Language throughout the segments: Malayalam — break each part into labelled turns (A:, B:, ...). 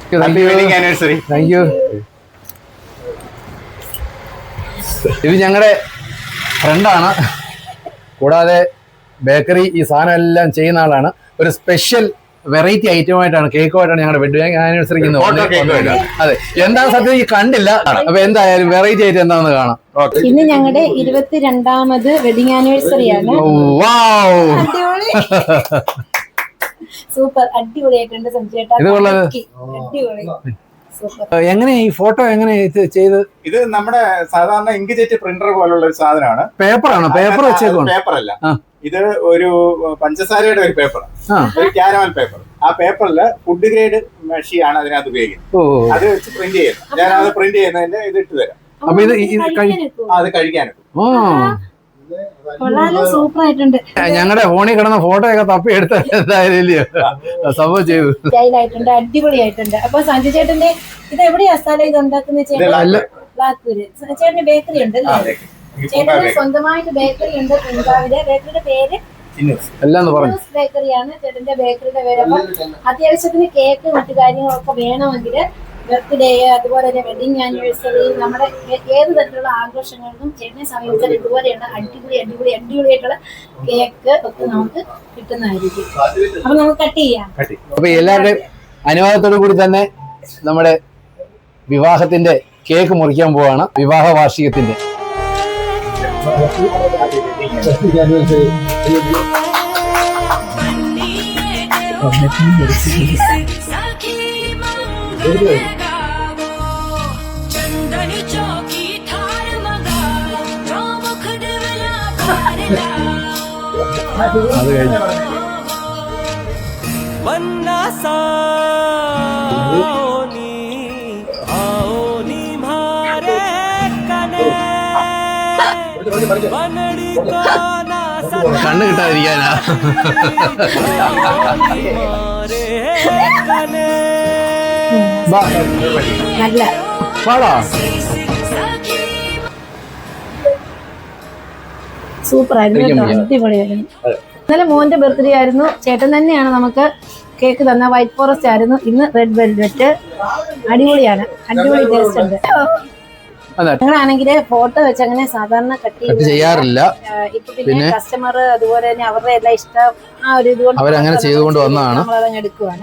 A: Thank you. ഇത് ഞങ്ങളുടെ ഫ്രണ്ടാണ്. കൂടാതെ ബേക്കറി ഈ സാധനം എല്ലാം ചെയ്യുന്ന ആളാണ്. ഒരു സ്പെഷ്യൽ വെറൈറ്റി ഐറ്റമായിട്ടാണ് കേക്കുമായിട്ടാണ് ഞങ്ങളുടെ വെഡിങ് ആനിവേഴ്സറിക്ക്. അതെ, എന്താണ് സത്യം ഈ കണ്ടില്ല. അപ്പൊ എന്തായാലും വെറൈറ്റി ആയിട്ട് എന്താണെന്ന് കാണാം.
B: ഇന്ന് ഞങ്ങളുടെ 22ാമത് വെഡിങ് ആനിവേഴ്സറിയാണ്. സൂപ്പർ, അടിപൊളിയായിട്ടുണ്ട് സഞ്ജയേട്ടാ. അടിപൊളി.
A: എങ്ങനെ ഈ ഫോട്ടോ എങ്ങനെ ചെയ്ത്?
C: ഇത് നമ്മുടെ സാധാരണ ഇങ്ക്ജെറ്റ് പ്രിന്റർ പോലുള്ള ഒരു സാധനമാണ്.
A: പേപ്പറാണോ? പേപ്പർ വെച്ചേക്കാണ്?
C: പേപ്പറല്ല, ഇത് ഒരു പഞ്ചസാരയുടെ ഒരു പേപ്പറാണ്, ഒരു കാരമൽ പേപ്പർ. ആ പേപ്പറിൽ ഫുഡ് ഗ്രേഡ് മെഷീനാണ് അതിനകത്ത് ഉപയോഗിക്കുന്നത്. അത് വെച്ച് പ്രിന്റ് ചെയ്യുന്നത്. ഞാൻ അത് പ്രിന്റ് ചെയ്യുന്നതിന്റെ ഇത് ഇട്ട് തരാം.
A: അപ്പൊ ഇത്
C: അത് കഴിക്കാനും
B: സൂപ്പർ ആയിട്ടുണ്ട്.
A: ഞങ്ങളുടെ ഫോണിൽ കിടന്ന ഫോട്ടോ ഒക്കെ തപ്പി എടുത്ത എന്തായാലും സംഭവം ചെയ്തു.
B: സ്റ്റൈലായിട്ടുണ്ട്, അടിപൊളിയായിട്ടുണ്ട്. അപ്പൊ സഞ്ജു ചേട്ടന്റെ ഇത് എവിടെയാ സ്ഥലം ഇത് ഉണ്ടാക്കുന്ന? ബ്ലാക്കൂര്. ചേട്ടന് ബേക്കറി ഉണ്ട് അല്ലേ? ചേട്ടന് സ്വന്തമായിട്ട് ബേക്കറി ഉണ്ട് പെൺകാവിലെ. ബേക്കറിയുടെ പേര് ബേക്കറിയാണ് ചേട്ടന്റെ ബേക്കറിയുടെ പേര്. അപ്പൊ അത്യാവശ്യത്തിന് കേക്ക് മറ്റു കാര്യങ്ങളൊക്കെ വേണമെങ്കിൽ ബർത്ത്ഡേ അതുപോലെ തന്നെ വെഡിങ് ആനിവേഴ്സറി നമ്മുടെ ഏത് തരത്തിലുള്ള ആഘോഷങ്ങൾക്കും ചേട്ടനെ സമീപിച്ചാൽ ഇതുപോലെയുള്ള അടിപൊളിയായിട്ടുള്ള കേക്ക് ഒക്കെ നമുക്ക് കിട്ടുന്നതായിരിക്കും. അപ്പൊ നമുക്ക് കട്ട് ചെയ്യാം.
A: അപ്പൊ എല്ലാവരുടെയും അനുവാദത്തോടു കൂടി തന്നെ നമ്മുടെ വിവാഹത്തിന്റെ കേക്ക് മുറിക്കാൻ പോവാണ്. വിവാഹ വാർഷികത്തിന്റെ അത് കഴിഞ്ഞു. കണ്ണ് കിട്ടാതിരിക്കാനാ.
B: നല്ല
A: പാടാ.
B: സൂപ്പർ ആയിരുന്നു, അടിപൊളിയായിരുന്നു. ഇന്നലെ മോന്റെ ബർത്ത്ഡേ ആയിരുന്നു. ചേട്ടൻ തന്നെയാണ് നമുക്ക് കേക്ക് തന്ന. വൈറ്റ് ഫോറസ്റ്റ് ആയിരുന്നു. ഇന്ന് റെഡ് വെൽവെറ്റ്. അടിപൊളിയാണ്, അടിപൊളി ടേസ്റ്റ് ഉണ്ട്. ഞങ്ങളാണെങ്കിൽ ഫോട്ടോ വെച്ച് അങ്ങനെ സാധാരണ കട്ട് ചെയ്യാറില്ല. ഇപ്പൊ പിന്നെ കസ്റ്റമർ അതുപോലെ തന്നെ അവരുടെ എല്ലാം ഇഷ്ടം ആ ഒരു ഇതുകൊണ്ട്
A: അവരങ്ങനെ ചെയ്തുകൊണ്ട് വന്നതാണ്.
B: നമ്മളതങ്ങ് എടുക്കുവാണ്.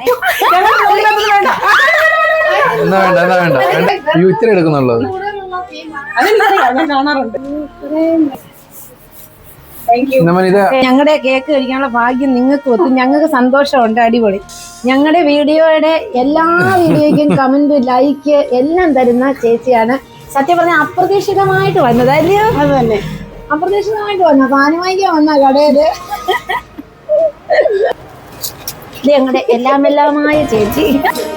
A: ഇത്തിരി എടുക്കുന്നുള്ളത്
B: കാണാറുണ്ട്. ഞങ്ങളുടെ കേക്ക് കഴിക്കാനുള്ള ഭാഗ്യം നിങ്ങൾക്ക് ഒത്തും. ഞങ്ങൾക്ക് സന്തോഷമുണ്ട്. അടിപൊളി. ഞങ്ങളുടെ വീഡിയോയുടെ എല്ലാ വീഡിയോയ്ക്കും കമന്റ് ലൈക്ക് എല്ലാം തരുന്ന ചേച്ചിയാണ്. സത്യം പറഞ്ഞാൽ അപ്രതീക്ഷിതമായിട്ട് വന്നത് അല്ലയോ? അത് തന്നെ, അപ്രതീക്ഷിതമായിട്ട് വന്ന സാധനം വാങ്ങിക്കാൻ വന്ന കടയില്. ഇത് ഞങ്ങളുടെ എല്ലാമായ ചേച്ചി.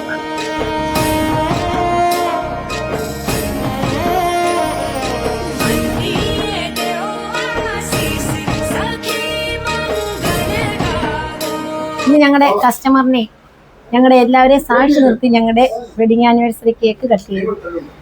B: ഇന്ന് ഞങ്ങളുടെ കസ്റ്റമറിനെ ഞങ്ങളുടെ എല്ലാവരെയും സാക്ഷി നിർത്തി ഞങ്ങളുടെ വെഡിങ് ആനിവേഴ്സറി കേക്ക് കട്ട് ചെയ്തു.